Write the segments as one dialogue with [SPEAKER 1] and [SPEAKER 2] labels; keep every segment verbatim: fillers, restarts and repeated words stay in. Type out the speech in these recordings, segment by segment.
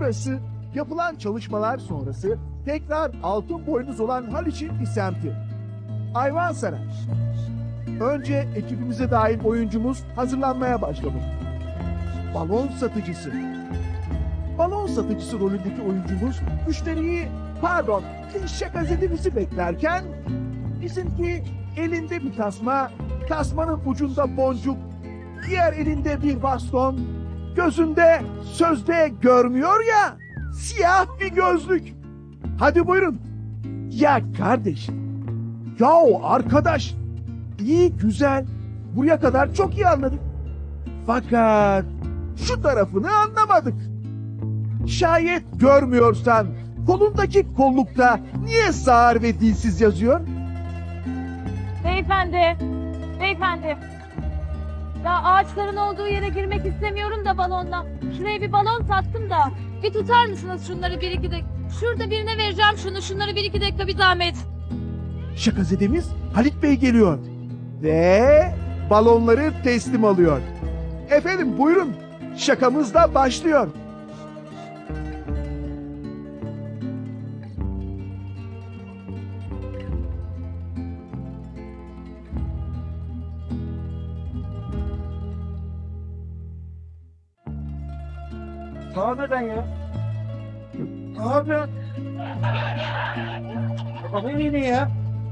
[SPEAKER 1] Burası yapılan çalışmalar sonrası tekrar altın boynuz olan Haliç'in bir semti. Ayvansaray. Önce ekibimize dahil oyuncumuz hazırlanmaya başladı. Balon satıcısı. Balon satıcısı rolündeki oyuncumuz müşteriyi, pardon, şakazetimizi beklerken bizimki elinde bir tasma, tasmanın ucunda boncuk, diğer elinde bir baston, gözünde sözde görmüyor ya, siyah bir gözlük. Hadi buyurun. Ya kardeş, yahu arkadaş, iyi güzel, buraya kadar çok iyi anladık. Fakat şu tarafını anlamadık. Şayet görmüyorsan kolundaki kollukta niye sağır ve dilsiz yazıyor?
[SPEAKER 2] Beyefendi, beyefendi. Ya ağaçların olduğu yere girmek istemiyorum da balonla. Şuraya bir balon sattım da. Bir tutar mısınız şunları bir iki dakika? Şurada birine vereceğim şunu. Şunları bir iki dakika bir zahmet.
[SPEAKER 1] Şakazedemiz Halit Bey geliyor ve balonları teslim alıyor. Efendim buyurun, şakamız da başlıyor.
[SPEAKER 3] Ne yapıyorsun ya? Ne yapıyorsun? Kafayı yedin ya.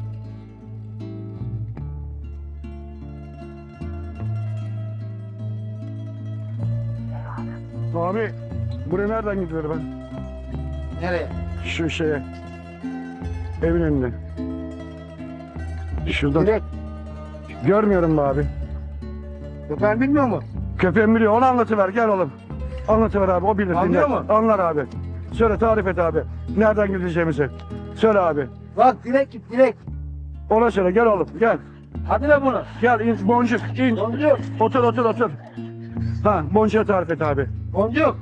[SPEAKER 4] Abi, buraya nereden gidiyor ben?
[SPEAKER 3] Nereye?
[SPEAKER 4] Şu şeye. Evin önüne. Şuradan.
[SPEAKER 3] Direkt.
[SPEAKER 4] Görmüyorum be abi.
[SPEAKER 3] Ben bilmiyor mu?
[SPEAKER 4] Köpeğim biliyor. Onu anlatıver. Gel oğlum. Anlatıver abi. O bilir.
[SPEAKER 3] Anlıyor
[SPEAKER 4] dinler.
[SPEAKER 3] mu?
[SPEAKER 4] Anlar abi. Söyle, tarif et abi. Nereden gideceğimizi. Söyle abi.
[SPEAKER 3] Bak direkt git direkt.
[SPEAKER 4] Ona söyle. Gel oğlum. Gel.
[SPEAKER 3] Hadi lan bunu.
[SPEAKER 4] Gel. in. Boncuk. in.
[SPEAKER 3] Boncuk.
[SPEAKER 4] Otur otur otur. Ha, boncuğa tarif et abi.
[SPEAKER 3] Boncuk.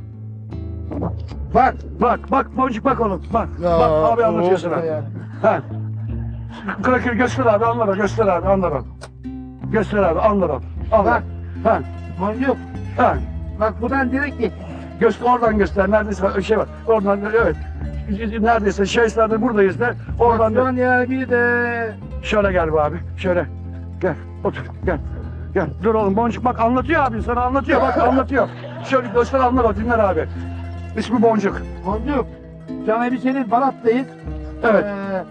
[SPEAKER 3] Bak.
[SPEAKER 4] Bak bak boncuk bak oğlum. Bak.
[SPEAKER 3] Ya,
[SPEAKER 4] bak abi anlatıyor sana.
[SPEAKER 3] ya.
[SPEAKER 4] Ha. Krakır göster abi. Anlar o. Göster abi. Anlar o. Göster abi. Anlar o. Anlar.
[SPEAKER 3] Bak.
[SPEAKER 4] Ha.
[SPEAKER 3] Boncuk.
[SPEAKER 4] Ha.
[SPEAKER 3] Bak buradan direkt git.
[SPEAKER 4] Göster, oradan göster. Neredeyse şey var. Oradan evet. Neredeyse şeyslerde buradayız da. Oradan
[SPEAKER 3] Bak,
[SPEAKER 4] da.
[SPEAKER 3] ya bir de.
[SPEAKER 4] Şöyle gel be abi. Şöyle. Gel. Otur. Gel. Gel. Dur oğlum Boncuk bak anlatıyor abi sana anlatıyor bak anlatıyor. Şöyle göster anlar o dinler abi. İsmi Boncuk.
[SPEAKER 3] Boncuk. Can Elbise'nin Balat'tayız.
[SPEAKER 4] Evet.
[SPEAKER 3] Ee,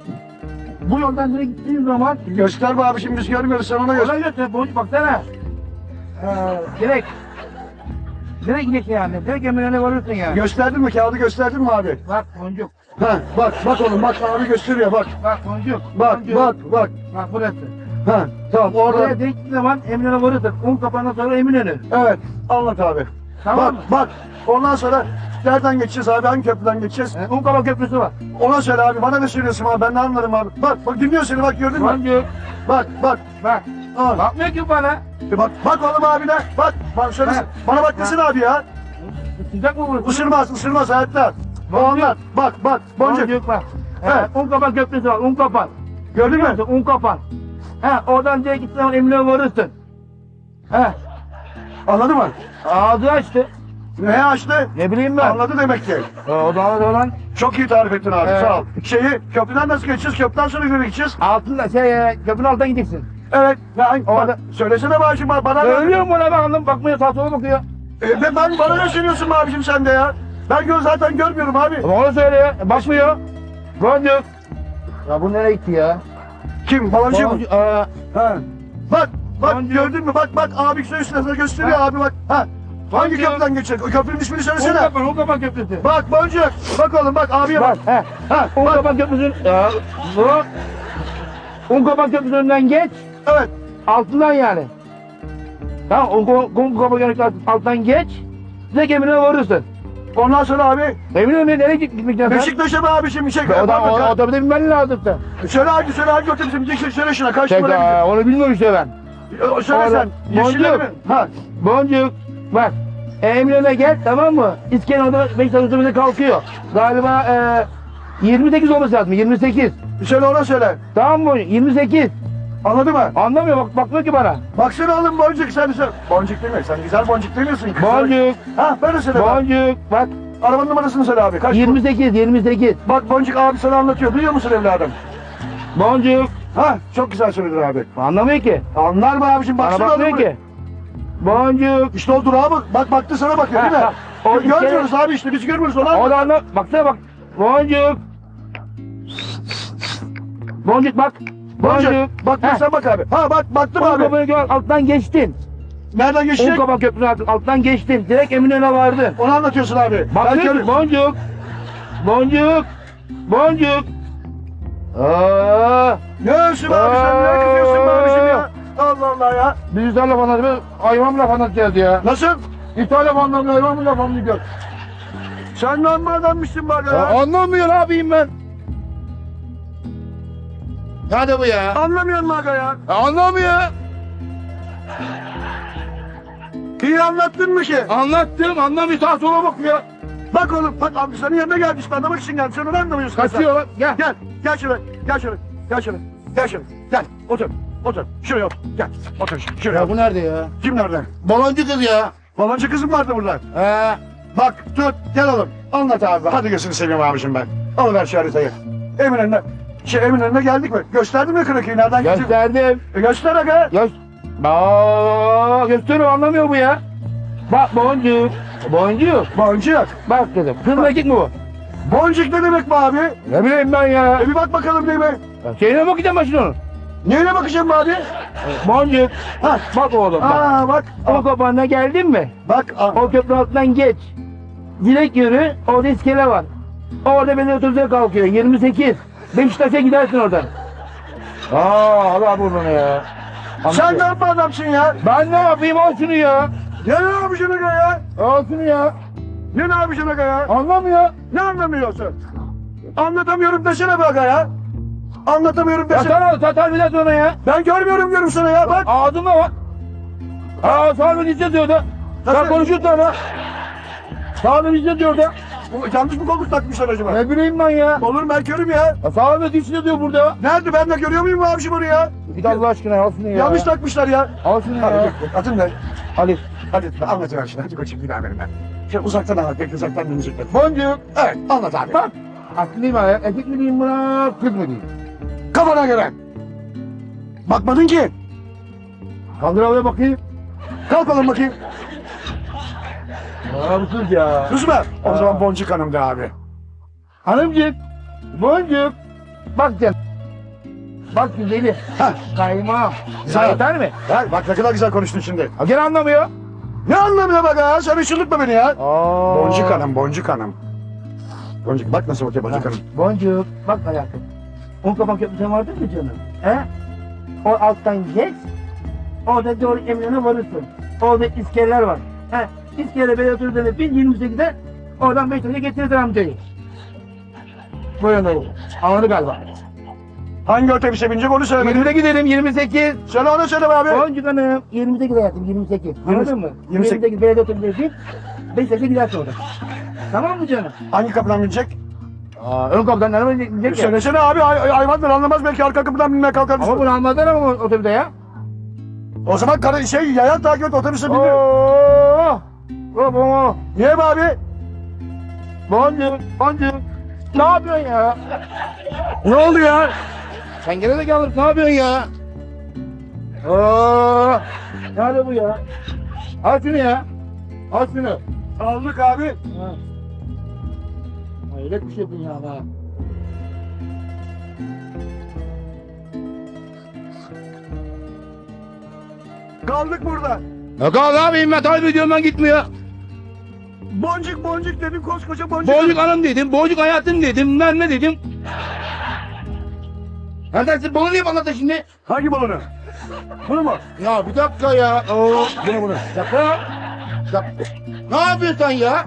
[SPEAKER 3] bu yoldan direkt gittiğin zaman
[SPEAKER 4] Göster be abi şimdi biz görmüyoruz sen ona göster.
[SPEAKER 3] Oradan götür Boncuk baksana. Ee, direkt. Direkt gideceksin yani. Direkt emirlerine varırsın yani.
[SPEAKER 4] Gösterdin mi kağıdı gösterdin mi abi?
[SPEAKER 3] Bak Boncuk.
[SPEAKER 4] Ha bak bak oğlum bak abi gösteriyor bak.
[SPEAKER 3] Bak Boncuk.
[SPEAKER 4] Bak
[SPEAKER 3] Boncuk.
[SPEAKER 4] bak bak.
[SPEAKER 3] Bak burası.
[SPEAKER 4] Ha tamam
[SPEAKER 3] Oraya
[SPEAKER 4] orada.
[SPEAKER 3] direkt gittiğin zaman Eminönü varırsın. Un kapandan sonra Eminönü.
[SPEAKER 4] Evet anlat abi.
[SPEAKER 3] Tamam
[SPEAKER 4] bak
[SPEAKER 3] mı?
[SPEAKER 4] bak ondan sonra nereden geçeceğiz abi hangi köprüden geçeceğiz?
[SPEAKER 3] E, Un kapan köprüsü var.
[SPEAKER 4] Ona söyle abi bana ne söylüyorsun abi ben ne anlarım abi. Bak bak dinliyor seni bak gördün mü?
[SPEAKER 3] Boncuk.
[SPEAKER 4] Bak bak.
[SPEAKER 3] Bak.
[SPEAKER 4] Al.
[SPEAKER 3] Bakmıyor ki bana.
[SPEAKER 4] E bak bak oğlum abine bak. Bak şöyle
[SPEAKER 3] Ha.
[SPEAKER 4] bana bak desin abi ya.
[SPEAKER 3] Sıcak mı burası?
[SPEAKER 4] Isırmaz ısırmaz hayatta. O
[SPEAKER 3] Boncuk.
[SPEAKER 4] anlat. Bak bak boncuk.
[SPEAKER 3] Boncuk bak.
[SPEAKER 4] Evet.
[SPEAKER 3] Evet. Un kapan köprüsü var. Un kapan.
[SPEAKER 4] Gördün mü?
[SPEAKER 3] Un kapan. He oradan direkt gittiğin zaman Eminönü varırsın. He.
[SPEAKER 4] Anladın mı?
[SPEAKER 3] Ağzı açtı.
[SPEAKER 4] Ne açtı?
[SPEAKER 3] Ne bileyim ben.
[SPEAKER 4] Anladı demek ki.
[SPEAKER 3] E, o da anladı olan.
[SPEAKER 4] Çok iyi tarif ettin abi
[SPEAKER 3] Evet.
[SPEAKER 4] sağ ol. Şeyi köprüden nasıl geçeceğiz? Köprüden sonra göre gideceğiz.
[SPEAKER 3] Altında şey e, köprünün altından gideceksin.
[SPEAKER 4] Evet. Ben,
[SPEAKER 3] Orada-
[SPEAKER 4] bak, söylesene babacığım bana. bana
[SPEAKER 3] Söylüyorum bana ben anladım. Bakmıyor sağa sola bakıyor.
[SPEAKER 4] E, ben, ben bana ne söylüyorsun be abicim sen de ya? Ben gör, zaten görmüyorum abi.
[SPEAKER 3] Ama onu söylüyor. E, bakmıyor. Boncuk. Ya bu nereye gitti ya?
[SPEAKER 4] Kim? Balancı mı?
[SPEAKER 3] Boncuk. Aa,
[SPEAKER 4] Ha. Bak, bak
[SPEAKER 3] Boncuk.
[SPEAKER 4] gördün mü? Bak bak abi üstüne gösteriyor
[SPEAKER 3] Ha.
[SPEAKER 4] abi bak. Ha. Hangi
[SPEAKER 3] Boncuk.
[SPEAKER 4] köprüden geçecek? O köprünün ismini
[SPEAKER 3] un
[SPEAKER 4] söylesene.
[SPEAKER 3] kapan, un kapan köprüsü.
[SPEAKER 4] Bak Boncuk. Bak oğlum bak abiye bak.
[SPEAKER 3] Bak, he.
[SPEAKER 4] Ha.
[SPEAKER 3] Un
[SPEAKER 4] Bak.
[SPEAKER 3] kapan köprüsünün. Ya, bu. Un kapan köprüsünden geç.
[SPEAKER 4] Evet.
[SPEAKER 3] Altından yani. Tamam, un, un, un kapan köprüsünden alttan geç. Direkt Eminönü'ne varırsın.
[SPEAKER 4] Ondan sonra abi
[SPEAKER 3] Eminönü'ne nereye git- gitmek lazım?
[SPEAKER 4] Beşiktaş'a be abi şimdi çek.
[SPEAKER 3] O da o,
[SPEAKER 4] Bak,
[SPEAKER 3] o da binmen lazım sen.
[SPEAKER 4] Söyle hadi söyle hadi otobüsü bineceksin söyle şuna kaç
[SPEAKER 3] Çek,
[SPEAKER 4] numara
[SPEAKER 3] aa,
[SPEAKER 4] gidiyor?
[SPEAKER 3] onu bilmiyorum işte ben.
[SPEAKER 4] O, Söyle
[SPEAKER 3] Orada-
[SPEAKER 4] sen. Yeşiller mi?
[SPEAKER 3] Boncuk.
[SPEAKER 4] Ha.
[SPEAKER 3] Boncuk. Bak. Eminönü'ne gel tamam mı? İskender'da Beşiktaş otobüsü kalkıyor. Galiba e, yirmi sekiz olması lazım. yirmi sekiz.
[SPEAKER 4] Söyle ona söyle.
[SPEAKER 3] Tamam mı? yirmi sekiz.
[SPEAKER 4] Anladın mı?
[SPEAKER 3] Anlamıyor bak bakmıyor ki bana.
[SPEAKER 4] Baksana oğlum boncuk sen sen. Boncuk değil mi? Sen güzel boncuk demiyorsun ki.
[SPEAKER 3] Boncuk.
[SPEAKER 4] Ha böyle söyle bak.
[SPEAKER 3] Boncuk. Bak.
[SPEAKER 4] Arabanın numarasını söyle abi. Kaç?
[SPEAKER 3] yirmi sekiz, yirmi sekiz.
[SPEAKER 4] Bak Boncuk abi sana anlatıyor. Duyuyor musun evladım?
[SPEAKER 3] Boncuk.
[SPEAKER 4] Ha çok güzel söyledin abi.
[SPEAKER 3] Anlamıyor ki.
[SPEAKER 4] Anlar mı abicim?
[SPEAKER 3] Bana
[SPEAKER 4] Baksana
[SPEAKER 3] bakmıyor
[SPEAKER 4] adamı.
[SPEAKER 3] ki. Boncuk.
[SPEAKER 4] İşte o durağa bak. Bak baktı sana bakıyor değil mi?
[SPEAKER 3] Ha, ha. O
[SPEAKER 4] Görmüyoruz abi işte biz görmüyoruz onu.
[SPEAKER 3] O da anla. Baksana bak. Boncuk. Boncuk bak.
[SPEAKER 4] Boncuk.
[SPEAKER 3] Boncuk.
[SPEAKER 4] Bak
[SPEAKER 3] Heh.
[SPEAKER 4] sen bak abi. Ha bak baktım
[SPEAKER 3] Un
[SPEAKER 4] abi.
[SPEAKER 3] kapağı gör, alttan geçtin.
[SPEAKER 4] Nereden
[SPEAKER 3] Un
[SPEAKER 4] geçecek?
[SPEAKER 3] kapağı köprünün altından, alttan geçtin. Direkt Eminönü'ne vardın.
[SPEAKER 4] Onu anlatıyorsun abi.
[SPEAKER 3] Bak
[SPEAKER 4] Ben
[SPEAKER 3] diyor
[SPEAKER 4] kör-
[SPEAKER 3] ki, boncuk. Boncuk. Boncuk. Aa,
[SPEAKER 4] Ne ölsün abi sen ne kızıyorsun be abicim ya? Allah Allah ya.
[SPEAKER 3] biz İtalya laf anlatıyoruz. Hayvan laf anlatacağız ya.
[SPEAKER 4] Nasıl?
[SPEAKER 3] İtalya laf anlatıyoruz. Hayvan mı laf anlatıyoruz?
[SPEAKER 4] Sen ne amma adammışsın bak
[SPEAKER 3] Ya
[SPEAKER 4] ya.
[SPEAKER 3] anlamıyor ne yapayım ben? Hadi bu ya.
[SPEAKER 4] Anlamıyorsun mu aga ya?
[SPEAKER 3] Ya anlamıyor.
[SPEAKER 4] İyi anlattın mı ki?
[SPEAKER 3] Anlattım anlamıyor. Sağa sola bakıyor.
[SPEAKER 4] Bak oğlum bak abi senin yanına gelmiş ben anlamak için geldim. Sen onu anlamıyorsun. mesela.
[SPEAKER 3] Kaçıyor lan. Gel.
[SPEAKER 4] Gel gel şuraya gel şuraya gel şuraya gel şuraya gel otur otur şuraya otur gel otur ş- şuraya
[SPEAKER 3] Ya
[SPEAKER 4] otur.
[SPEAKER 3] bu nerede ya?
[SPEAKER 4] Kim nerede?
[SPEAKER 3] Baloncu kız ya.
[SPEAKER 4] Baloncu kızım vardı burada.
[SPEAKER 3] He.
[SPEAKER 4] Bak tut gel oğlum anlat abi hadi gözünü seveyim abicim ben. Alıver şu haritayı. Eminönü'ne şey Eminönü'ne geldik mi? Gösterdin mi Kırıköy'ü nereden gideceğim?
[SPEAKER 3] Gösterdim.
[SPEAKER 4] E göster aga.
[SPEAKER 3] Göz... Aa, gösteriyor anlamıyor bu ya. Bak boncuk. Boncuk.
[SPEAKER 4] Boncuk.
[SPEAKER 3] Bak dedim. Kız mı erkek mi bu?
[SPEAKER 4] Boncuk ne demek bu abi?
[SPEAKER 3] Ne bileyim ben ya.
[SPEAKER 4] E bir bak bakalım değil mi?
[SPEAKER 3] Ya Şeyine bakacağım ben şimdi onun.
[SPEAKER 4] Neyine bakacağım bu abi?
[SPEAKER 3] Boncuk.
[SPEAKER 4] Ha.
[SPEAKER 3] Bak oğlum bak.
[SPEAKER 4] Aa bak.
[SPEAKER 3] O kapağına geldin mi?
[SPEAKER 4] Bak. Aa.
[SPEAKER 3] O köprü altından geç. Direkt yürü. Orada iskele var. Orada belediye otobüse kalkıyor. yirmi sekiz. Beşiktaş'a gidersin oradan. Aa Allah burnunu ya.
[SPEAKER 4] Sen ne yapma adamsın ya?
[SPEAKER 3] Ben ne yapayım al şunu ya.
[SPEAKER 4] Ne ne yapacaksın aga ya?
[SPEAKER 3] Al şunu ya.
[SPEAKER 4] Ne ne yapacaksın aga ya?
[SPEAKER 3] Anlamıyor.
[SPEAKER 4] Ne anlamıyorsun? Anlatamıyorum desene be aga ya. Anlatamıyorum
[SPEAKER 3] Ya
[SPEAKER 4] desene.
[SPEAKER 3] sana satar bir de sonra ya.
[SPEAKER 4] Ben görmüyorum diyorum sana ya bak.
[SPEAKER 3] Ağzıma bak. Aa sağ olun izle diyor da.
[SPEAKER 4] Nasıl?
[SPEAKER 3] Sen konuşuyorsun ama. Sağ olun izle diyor da.
[SPEAKER 4] Bu yanlış mı kolluk takmışlar acaba?
[SPEAKER 3] Ne bileyim ben ya.
[SPEAKER 4] Olur mu ben körüm ya.
[SPEAKER 3] ya sağ olun izle diyor burada.
[SPEAKER 4] Nerede ben de görüyor muyum bu abicim onu ya?
[SPEAKER 3] Git Allah aşkına al şunu ya.
[SPEAKER 4] Yanlış takmışlar ya.
[SPEAKER 3] Al şunu
[SPEAKER 4] Hadi
[SPEAKER 3] ya.
[SPEAKER 4] dur, atın ne?
[SPEAKER 3] Hadi.
[SPEAKER 4] Hadi anlatıver şimdi. Hadi koçum bir daha benim ben. Şöyle uzaktan anlat. Bekle uzaktan dinleyecekler.
[SPEAKER 3] Boncuk.
[SPEAKER 4] Evet anlat abi.
[SPEAKER 3] Bak. Aklıyım ha. Erkek mi diyeyim buna kız mı diyeyim?
[SPEAKER 4] Kafana göre. Bakmadın ki.
[SPEAKER 3] Kaldır havaya bakayım.
[SPEAKER 4] Kalk oğlum bakayım.
[SPEAKER 3] Aa bu kız ya.
[SPEAKER 4] Kız mı? O
[SPEAKER 3] Aa.
[SPEAKER 4] zaman Boncuk Hanım da abi.
[SPEAKER 3] Hanımcık. Boncuk. Bak sen. Bak güzeli.
[SPEAKER 4] Heh.
[SPEAKER 3] Kayma.
[SPEAKER 4] Güzel.
[SPEAKER 3] Güzel yeter mi?
[SPEAKER 4] Gel bak ne kadar güzel konuştun şimdi.
[SPEAKER 3] Ha gene anlamıyor.
[SPEAKER 4] Ne anlamıyor bak ha? Sen ışınlıkma beni ya.
[SPEAKER 3] Aa.
[SPEAKER 4] Boncuk Hanım, Boncuk Hanım. Boncuk bak nasıl bakıyor Boncuk
[SPEAKER 3] Ha,
[SPEAKER 4] Hanım.
[SPEAKER 3] Boncuk. Bak hayatım. Un kapak köprüsü vardır mı canım? He? O alttan geç. Orada doğru Eminönü'ne varırsın. Orada iskeleler var. He? İskele belediye otobüsüne bin yirmi sekizde oradan Beşiktaş'a getirirsin amcayı. Buyurun oğlum. Anladı galiba.
[SPEAKER 4] Hangi otobüse binecek onu söyle.
[SPEAKER 3] yirmide gidelim yirmi sekiz.
[SPEAKER 4] Söyle onu söyle be abi.
[SPEAKER 3] Boncuk hanım. yirmi sekiz hayatım yirmi sekiz. Anladın mı?
[SPEAKER 4] yirmi sekiz.
[SPEAKER 3] yirmi sekiz belediye otobüsüne bin. Beşiktaş'a gidersin orada. Tamam mı canım?
[SPEAKER 4] Hangi kapıdan binecek?
[SPEAKER 3] Aa, ön kapıdan nereye gidecek ya?
[SPEAKER 4] Söylesene abi hay- hay- hayvandır anlamaz belki arka kapıdan binmeye kalkar mısın?
[SPEAKER 3] Ama bunu anladın ama otobüste ya.
[SPEAKER 4] O zaman kara, şey yayan takip et otobüse biniyor.
[SPEAKER 3] Oo! Baba!
[SPEAKER 4] Niye be abi?
[SPEAKER 3] Boncuk, boncuk. Ne yapıyorsun ya?
[SPEAKER 4] Ne oldu ya?
[SPEAKER 3] Sen gene de gelir, ne yapıyorsun ya? Oo! Nerede bu ya? Al şunu ya. Al şunu.
[SPEAKER 4] Aldık abi.
[SPEAKER 3] Ha. Hayret bir şey dünyada.
[SPEAKER 4] Kaldık burada.
[SPEAKER 3] Ne kadar ne yapayım ben takip ediyorum ben gitmiyor.
[SPEAKER 4] Boncuk boncuk dedim koskoca boncuk.
[SPEAKER 3] Boncuk hanım dedim, boncuk hayatım dedim, ben ne dedim? Neredesin? Bunu niye anlattın şimdi?
[SPEAKER 4] Hangi balonu? Bunu mu?
[SPEAKER 3] Ya bir dakika ya. Oo.
[SPEAKER 4] Bunu bunu.
[SPEAKER 3] Bir dakika. Bir dakika. Ne yapıyorsun sen ya?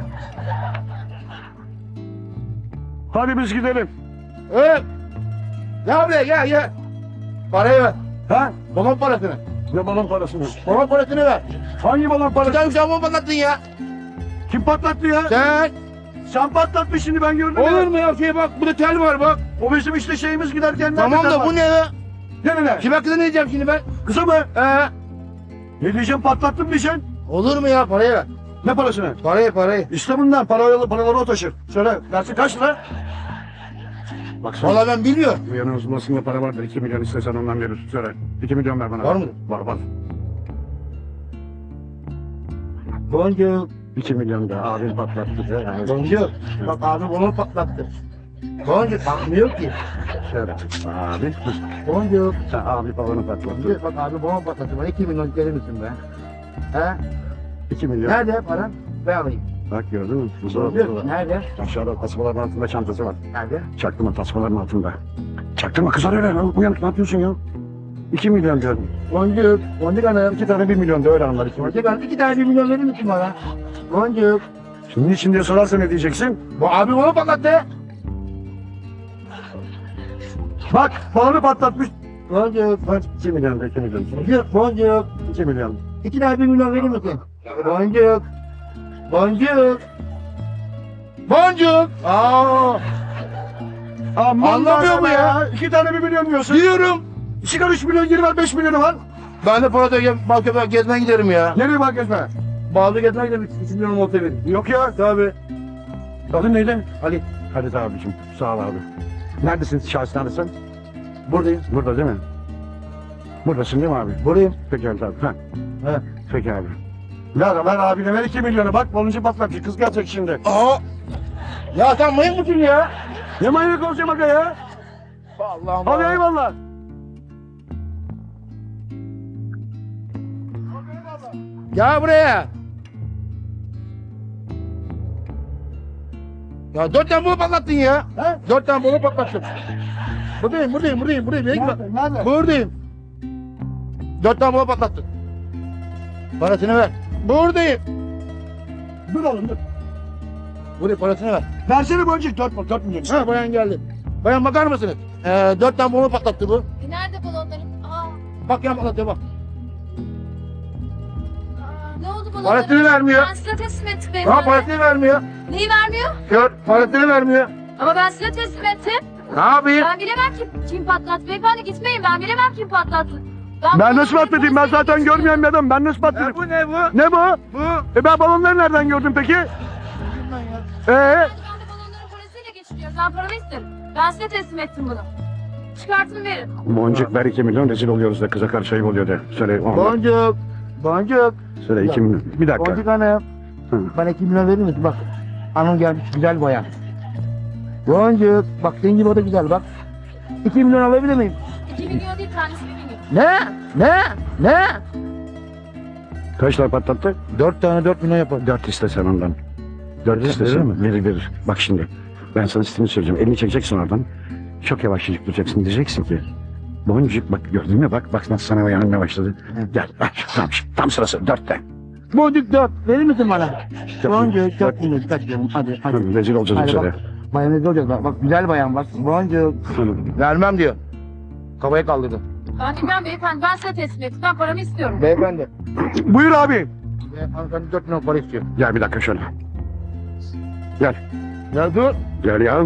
[SPEAKER 4] Hadi biz gidelim.
[SPEAKER 3] Evet. Gel buraya gel gel. Parayı ver.
[SPEAKER 4] Ha?
[SPEAKER 3] Balon parasını.
[SPEAKER 4] Ne balon parasını?
[SPEAKER 3] Balon parasını ver.
[SPEAKER 4] Hangi balon
[SPEAKER 3] Bir
[SPEAKER 4] parası?
[SPEAKER 3] tane uçağı mı patlattın ya?
[SPEAKER 4] Kim patlattı ya?
[SPEAKER 3] Sen.
[SPEAKER 4] Sen patlattın şimdi ben gördüm
[SPEAKER 3] Olur
[SPEAKER 4] ya.
[SPEAKER 3] mu ya şey bak burada tel var bak.
[SPEAKER 4] O bizim işte şeyimiz giderken.
[SPEAKER 3] Tamam da bu ne ya?
[SPEAKER 4] Ne ne?
[SPEAKER 3] Kime kıza ne diyeceğim şimdi ben?
[SPEAKER 4] Kısa mı?
[SPEAKER 3] Ee,
[SPEAKER 4] Ne diyeceğim patlattım diyeceksin.
[SPEAKER 3] olur mu ya parayı ver.
[SPEAKER 4] Ne parasını?
[SPEAKER 3] Parayı parayı.
[SPEAKER 4] İşte bundan paraları, paraları o taşır. Söyle, dersi kaç lira? Bak sen.
[SPEAKER 3] Valla ben bilmiyorum.
[SPEAKER 4] Bu yanın uzmanlığında para vardır. iki milyon istesen ondan verirsin. Söyle. iki milyon ver bana.
[SPEAKER 3] Var mı?
[SPEAKER 4] Var var.
[SPEAKER 3] Boncuk.
[SPEAKER 4] iki milyon da abim patlattı. Yani
[SPEAKER 3] Boncuk. Bak abi onu patlattı. Boncuk bakmıyor ki.
[SPEAKER 4] şöyle. Abi.
[SPEAKER 3] Boncuk.
[SPEAKER 4] Sen abi babanı patlattı.
[SPEAKER 3] Boncuk bak abi bunu patlattı. Bana iki milyon verir misin be? He?
[SPEAKER 4] iki milyon.
[SPEAKER 3] Nerede paran? Ben alayım.
[SPEAKER 4] Bak gördün mü? Burada,
[SPEAKER 3] Boncuk.
[SPEAKER 4] burada.
[SPEAKER 3] Nerede?
[SPEAKER 4] Aşağıda tasmaların altında çantası var.
[SPEAKER 3] Nerede?
[SPEAKER 4] Çaktırma tasmaların altında. Çaktırma kızar öyle. lan. Uyanık ne yapıyorsun ya? iki milyon diyorum.
[SPEAKER 3] Boncuk. Boncuk hanım.
[SPEAKER 4] İki tane bir milyon da öyle anlar. iki milyon.
[SPEAKER 3] Boncuk hanım iki tane bir milyon verir misin bana? Boncuk.
[SPEAKER 4] Şimdi niçin diye sorarsa ne diyeceksin?
[SPEAKER 3] Bu abi bunu patlattı.
[SPEAKER 4] Bak balonu patlatmış.
[SPEAKER 3] Boncuk.
[SPEAKER 4] Bak iki milyon da iki milyon.
[SPEAKER 3] Boncuk. Boncuk.
[SPEAKER 4] iki milyon.
[SPEAKER 3] İki tane bir milyon verir misin? Boncuk. Boncuk. Boncuk. Aa.
[SPEAKER 4] Aman
[SPEAKER 3] Anlamıyor mu ya?
[SPEAKER 4] İki tane bir milyon diyorsun.
[SPEAKER 3] Diyorum.
[SPEAKER 4] Çıkar üç milyon geri ver beş milyonu var.
[SPEAKER 3] Ben de Polat'a Balköy'e gezmeye giderim ya.
[SPEAKER 4] Nereye bak gezme?
[SPEAKER 3] Bağlı gezmeye giderim. üç milyon olta verin.
[SPEAKER 4] Yok ya.
[SPEAKER 3] Tabii.
[SPEAKER 4] Adın neydi?
[SPEAKER 3] Ali.
[SPEAKER 4] Halit abicim. Sağ ol abi. Neredesin? Şahsi neredesin?
[SPEAKER 3] Buradayım.
[SPEAKER 4] Burada değil mi? Buradasın değil mi abi?
[SPEAKER 3] Buradayım.
[SPEAKER 4] Peki Halit abi. Ha.
[SPEAKER 3] He.
[SPEAKER 4] Peki abi. Ver ver abine ver iki milyonu. Bak baloncu patlatacak. Kız gelecek şimdi.
[SPEAKER 3] Aa. Ya sen manyak mısın ya?
[SPEAKER 4] Ne manyak olacağım aga ya?
[SPEAKER 3] Allah'ım.
[SPEAKER 4] Hadi eyvallah.
[SPEAKER 3] Gel buraya. Ya dört tane bunu patlattın ya. He? Dört tane bunu patlattın. Buradayım, buradayım, buradayım, buradayım. Nerede, nerede? Buradayım. Dört tane bunu patlattın. Parasını ver. Buradayım.
[SPEAKER 4] Dur oğlum dur.
[SPEAKER 3] Buraya parasını ver.
[SPEAKER 4] Versene boncuk. Dört, dört milyon.
[SPEAKER 3] Ha bayan geldi. Bayan bakar mısınız? Ee, dört tane bunu patlattı bu.
[SPEAKER 2] E, nerede balonlarım? Aa,
[SPEAKER 3] Bak yan patlatıyor bak.
[SPEAKER 2] aa, ne oldu balonlarım?
[SPEAKER 3] Parasını vermiyor.
[SPEAKER 2] Ben size teslim ettim
[SPEAKER 3] Ha
[SPEAKER 2] beyefendi.
[SPEAKER 3] parasını vermiyor.
[SPEAKER 2] Neyi vermiyor?
[SPEAKER 3] Gör parasını vermiyor.
[SPEAKER 2] Ama ben size teslim ettim.
[SPEAKER 3] Ne yapayım?
[SPEAKER 2] Ben bilemem kim, kim patlattı. Beyefendi gitmeyin, ben bilemem kim patlattı.
[SPEAKER 4] Ben nasıl
[SPEAKER 2] balonları
[SPEAKER 4] patlatayım? Ben zaten
[SPEAKER 2] polisle
[SPEAKER 4] görmeyen bir adamım. Ben nasıl
[SPEAKER 3] E,
[SPEAKER 4] patlatayım?
[SPEAKER 3] bu ne bu?
[SPEAKER 4] Ne bu?
[SPEAKER 3] Bu.
[SPEAKER 4] E ben balonları nereden gördüm peki? Ee?
[SPEAKER 2] Ben de balonları polisiyle geçiriyorum. Ben paramı isterim. Ben size teslim ettim bunu. Çıkartın verin.
[SPEAKER 4] Boncuk ver iki milyon rezil oluyoruz da kıza karşı ayıp oluyor de. Söyle on.
[SPEAKER 3] Boncuk. Boncuk.
[SPEAKER 4] Söyle iki milyon. Bir dakika.
[SPEAKER 3] Boncuk hanım.
[SPEAKER 4] Hı.
[SPEAKER 3] Bana iki milyon verir misin? Bak. Hanım gelmiş güzel bayan. Boncuk. Bak senin gibi o da güzel bak. iki milyon alabilir miyim?
[SPEAKER 2] İki milyon değil, tanesi bir milyon.
[SPEAKER 3] Ne? Ne? Ne?
[SPEAKER 4] Kaç lira patlattı?
[SPEAKER 3] Dört tane dört milyon yapar.
[SPEAKER 4] Dört istesen ondan. Dört istesen
[SPEAKER 3] mi?
[SPEAKER 4] verir verir. Bak şimdi. Ben sana sistemi söyleyeceğim. Elini çekeceksin oradan. Çok yavaşçacık duracaksın. Diyeceksin ki. Boncuk bak gördün mü? Bak bak nasıl sana yanmaya başladı. Gel. Bak, tam, tam sırası. Dörtte.
[SPEAKER 3] Boncuk dört. Verir misin bana?
[SPEAKER 4] Dört
[SPEAKER 3] Boncuk dört milyon. Kaç diyorum. Hadi hadi.
[SPEAKER 4] Hı, rezil olacağız
[SPEAKER 3] Hadi
[SPEAKER 4] içeri.
[SPEAKER 3] bak. Bayan rezil olacağız bak. Bak güzel bayan bak. Boncuk. Vermem diyor. Kafayı kaldırdı.
[SPEAKER 2] Ben bilmem beyefendi, ben size teslim ettim. Ben paramı istiyorum.
[SPEAKER 3] Beyefendi.
[SPEAKER 4] Buyur abi.
[SPEAKER 3] Ve hanımefendi dört milyon para istiyor.
[SPEAKER 4] Gel bir dakika şöyle.
[SPEAKER 3] Ya dur.
[SPEAKER 4] Gel ya.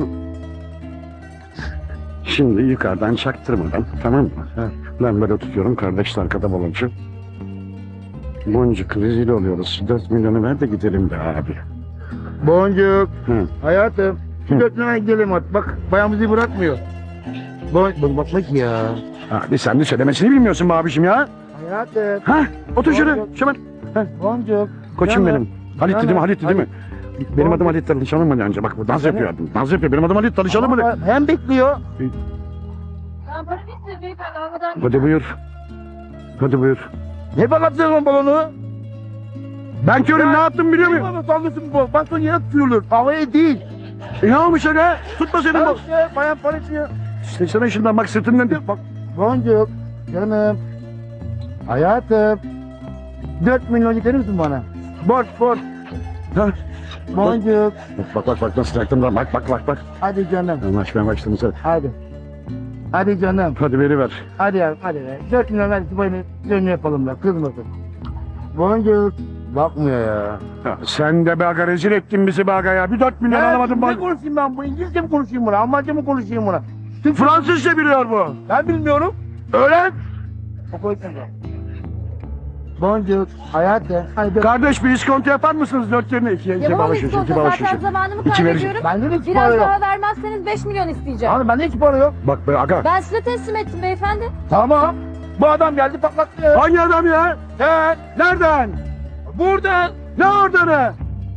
[SPEAKER 4] Şimdi yukarıdan çaktırmadan tamam mı? Ben böyle tutuyorum kardeşler arkada baloncu. Boncuk rezil oluyoruz. Dört milyonu ver de gidelim be abi.
[SPEAKER 3] Boncuk.
[SPEAKER 4] Hı.
[SPEAKER 3] Hayatım. Şu
[SPEAKER 4] Hı.
[SPEAKER 3] dört milyona gidelim artık. Bak bayan bizi bırakmıyor. Boncuk. Bak bak ya.
[SPEAKER 4] Abi sen de söylemesini bilmiyorsun be abişim ya.
[SPEAKER 3] Hayatım.
[SPEAKER 4] Ha? Otur şöyle.
[SPEAKER 3] Boncuk.
[SPEAKER 4] Şöyle.
[SPEAKER 3] Boncuk.
[SPEAKER 4] Koçum
[SPEAKER 3] Canım.
[SPEAKER 4] benim. Halit dedi mi?
[SPEAKER 3] Canım.
[SPEAKER 4] Halit dedi mi? Benim adım Halit Danışanım mı önce? Bak bu dans
[SPEAKER 3] Canım.
[SPEAKER 4] yapıyor. Dans yapıyor. Benim adım Halit Danışanım mı?
[SPEAKER 3] Ama hem bekliyor.
[SPEAKER 2] Ben paramı istedim beyefendi, almadan
[SPEAKER 4] Hadi buyur. Hadi buyur.
[SPEAKER 3] Ne patlatıyorsun balonu?
[SPEAKER 4] Ben körüm ne yaptım biliyor muyum?
[SPEAKER 3] Baba sallıyorsun bu. Bak sonra yere tutuyorlar. Havaya değil.
[SPEAKER 4] E ne olmuş öyle? Tutma senin
[SPEAKER 3] Bak
[SPEAKER 4] bu.
[SPEAKER 3] işte bayan para istiyor.
[SPEAKER 4] İşte sana şundan bak sırtından.
[SPEAKER 3] Bak Boncuk. Canım. Hayatım. Dört milyon yeter misin bana? Borç borç.
[SPEAKER 4] Ha?
[SPEAKER 3] Boncuk.
[SPEAKER 4] Bak bak bak nasıl yaktım da bak bak bak bak.
[SPEAKER 3] Hadi canım.
[SPEAKER 4] Anlaşmaya başladım sen.
[SPEAKER 3] Hadi. Hadi canım.
[SPEAKER 4] Hadi veri ver.
[SPEAKER 3] Hadi ya hadi be. Dört milyon ver ki böyle dönü yapalım da kızmasın. Boncuk. Bakmıyor ya.
[SPEAKER 4] Ya sen de be aga rezil ettin bizi be aga ya. Bir dört milyon
[SPEAKER 3] Ben
[SPEAKER 4] alamadım
[SPEAKER 3] Ne
[SPEAKER 4] bak.
[SPEAKER 3] konuşayım ben bu? İngilizce mi konuşayım buna? Almanca mı konuşayım buna? Türkçe-
[SPEAKER 4] Fransızca biliyor bu.
[SPEAKER 3] Ben bilmiyorum.
[SPEAKER 4] Öğren.
[SPEAKER 3] O koysun da. Boncuk, hayatım. Hadi
[SPEAKER 4] Kardeş bir iskonto yapar mısınız dört yerine? İki, iki
[SPEAKER 2] Yapamam
[SPEAKER 4] bağış için, iki
[SPEAKER 2] iskonto,
[SPEAKER 4] bağış
[SPEAKER 2] zaten
[SPEAKER 4] için.
[SPEAKER 2] zamanımı
[SPEAKER 4] İki
[SPEAKER 2] kaybediyorum.
[SPEAKER 3] bende de hiç para
[SPEAKER 2] Biraz
[SPEAKER 3] yok.
[SPEAKER 2] daha vermezseniz beş milyon isteyeceğim.
[SPEAKER 3] Abi bende hiç para yok.
[SPEAKER 4] Bak be aga.
[SPEAKER 2] Ben size teslim ettim beyefendi.
[SPEAKER 3] Tamam. Bu adam geldi patlattı.
[SPEAKER 4] Hangi adam ya?
[SPEAKER 3] Sen
[SPEAKER 4] Nereden?
[SPEAKER 3] buradan.
[SPEAKER 4] Ne orada ne?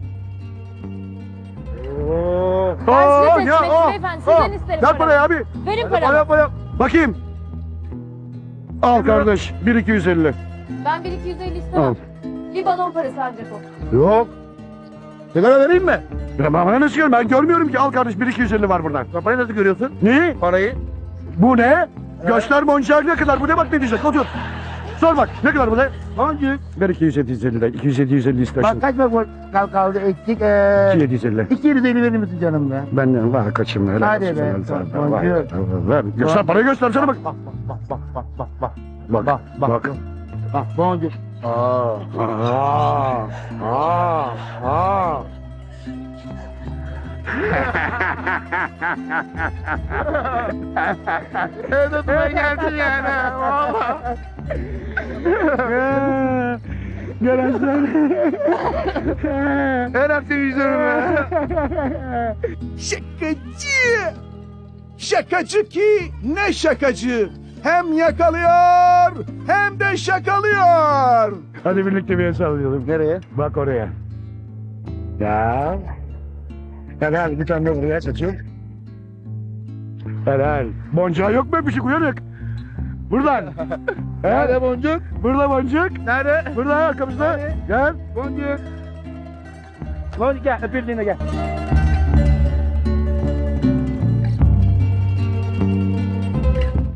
[SPEAKER 2] Ben size
[SPEAKER 4] Oo,
[SPEAKER 2] teslim
[SPEAKER 4] ya,
[SPEAKER 2] ettim
[SPEAKER 4] o,
[SPEAKER 2] beyefendi.
[SPEAKER 4] o.
[SPEAKER 2] Sizden isterim
[SPEAKER 4] Ver parayı
[SPEAKER 2] paramı.
[SPEAKER 4] abi.
[SPEAKER 2] Verin
[SPEAKER 3] Para
[SPEAKER 2] paramı.
[SPEAKER 3] para.
[SPEAKER 4] Bakayım. Al kardeş. Bir iki yüz elli.
[SPEAKER 2] Ben bir iki yüz elli
[SPEAKER 4] Al.
[SPEAKER 2] istemem. Bir balon parası ancak o.
[SPEAKER 3] Yok. Sigara vereyim mi?
[SPEAKER 4] Ya bana nasıl görüyorum? Ben görmüyorum ki. Al kardeş bir iki yüz elli var buradan.
[SPEAKER 3] Parayı nasıl görüyorsun?
[SPEAKER 4] Neyi?
[SPEAKER 3] Parayı.
[SPEAKER 4] Bu ne? Göster boncuğa ne kadar? Bu ne bak ne diyecek? Otur. Sor bak. Ne kadar bu ne?
[SPEAKER 3] Boncuk.
[SPEAKER 4] Ver iki yüz yedi yüz elli de. iki yüz yedi yüz elli istersin.
[SPEAKER 3] Bak kaç bak kal kaldı eksik. Ee,
[SPEAKER 4] iki yedi yüz elli.
[SPEAKER 3] iki yüz elli verir misin canım be?
[SPEAKER 4] Benden var kaçım öyle.
[SPEAKER 3] Hadi
[SPEAKER 4] olsun,
[SPEAKER 3] be,
[SPEAKER 4] helal sana.
[SPEAKER 3] boncuğu.
[SPEAKER 4] Var, ver, ver. Göster parayı göstersene bak.
[SPEAKER 3] Bak bak bak bak bak bak.
[SPEAKER 4] Bak
[SPEAKER 3] Bak bak.
[SPEAKER 4] bak.
[SPEAKER 3] Bak boncuk. Aa.
[SPEAKER 4] Aa, aa, aa.
[SPEAKER 3] Evde tutmaya geldin yani. Valla.
[SPEAKER 4] Gel aslan.
[SPEAKER 3] Her hafta yüzüyorum ya.
[SPEAKER 1] Şakacı! Şakacı ki ne şakacı! Hem yakalıyor hem de şakalıyor.
[SPEAKER 4] Hadi birlikte bir el sallayalım.
[SPEAKER 3] Nereye?
[SPEAKER 4] Bak oraya. Ya. Helal bir tane de buraya saçım. Helal. Boncuğa yok mu öpüşük uyanık? Buradan.
[SPEAKER 3] Nerede boncuk?
[SPEAKER 4] Burada boncuk.
[SPEAKER 3] Nerede?
[SPEAKER 4] Burada arkamızda.
[SPEAKER 3] Nerede?
[SPEAKER 4] Gel.
[SPEAKER 3] Boncuk. Boncuk gel öpüldüğüne gel.